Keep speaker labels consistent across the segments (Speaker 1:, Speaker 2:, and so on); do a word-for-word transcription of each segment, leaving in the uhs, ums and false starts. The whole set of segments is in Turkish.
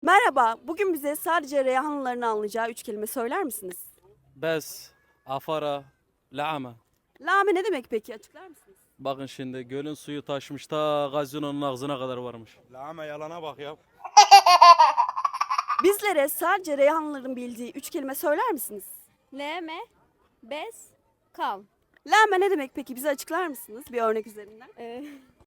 Speaker 1: Merhaba, bugün bize sadece Reyhanlıların anlayacağı üç kelime söyler misiniz?
Speaker 2: Bes, afara, la'ama.
Speaker 1: Lame ne demek peki, açıklar mısınız?
Speaker 2: Bakın şimdi gölün suyu taşmış ta gazinonun ağzına kadar varmış.
Speaker 3: Lağma yalana bak ya.
Speaker 1: Bizlere sadece Reyhanlıların bildiği üç kelime söyler misiniz?
Speaker 4: Leme, bes, kal.
Speaker 1: Lame ne demek peki, bize açıklar mısınız bir örnek üzerinden?
Speaker 4: Ee,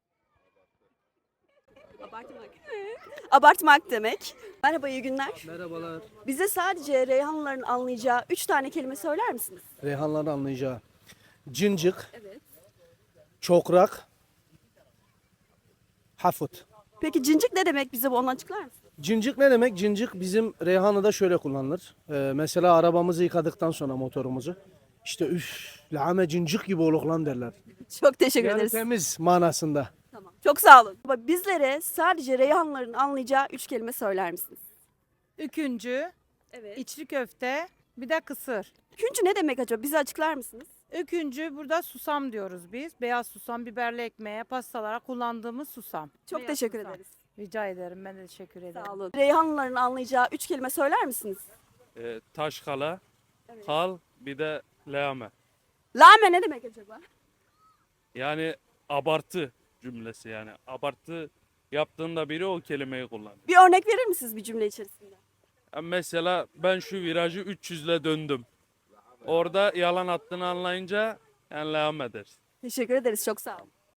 Speaker 1: Abartmak. Abartmak demek. Merhaba, iyi günler.
Speaker 5: Merhabalar.
Speaker 1: Bize sadece Reyhanlıların anlayacağı üç tane kelime söyler misiniz?
Speaker 5: Reyhanların anlayacağı. Cincik,
Speaker 1: Evet.
Speaker 5: çokrak, hafut.
Speaker 1: Peki cincik ne demek, bize bu onu açıklar mısınız?
Speaker 5: Cincik ne demek? Cincik bizim Reyhanlı'da şöyle kullanılır. Ee, mesela arabamızı yıkadıktan sonra motorumuzu. İşte üf, lame cincik gibi oluk lan derler.
Speaker 1: Çok teşekkür
Speaker 5: Yani
Speaker 1: ederiz.
Speaker 5: temiz manasında.
Speaker 1: Tamam. Çok sağ olun. Bizlere sadece Reyhanlıların anlayacağı üç kelime söyler misiniz?
Speaker 6: Üküncü,
Speaker 1: Evet.
Speaker 6: içli köfte, bir de kısır.
Speaker 1: Küncü ne demek acaba? Bize açıklar mısınız?
Speaker 6: Üküncü burada susam diyoruz biz. Beyaz susam, biberli ekmeğe, pastalara kullandığımız susam.
Speaker 1: Çok
Speaker 6: Beyaz
Speaker 1: teşekkür
Speaker 6: susam.
Speaker 1: ederiz.
Speaker 6: Rica ederim, ben de teşekkür ederim.
Speaker 1: Sağ olun. Reyhanlıların anlayacağı üç kelime söyler misiniz?
Speaker 2: Ee, taş kala, kal, bir de leame.
Speaker 1: Lame ne demek acaba?
Speaker 2: Yani abartı cümlesi yani. Abartı yaptığında biri o kelimeyi kullanıyor.
Speaker 1: Bir örnek verir misiniz bir cümle içerisinde?
Speaker 2: Yani mesela ben şu virajı üç yüzle döndüm. Orada yalan attığını anlayınca yani leame dersin.
Speaker 1: Teşekkür ederiz. Çok sağ olun.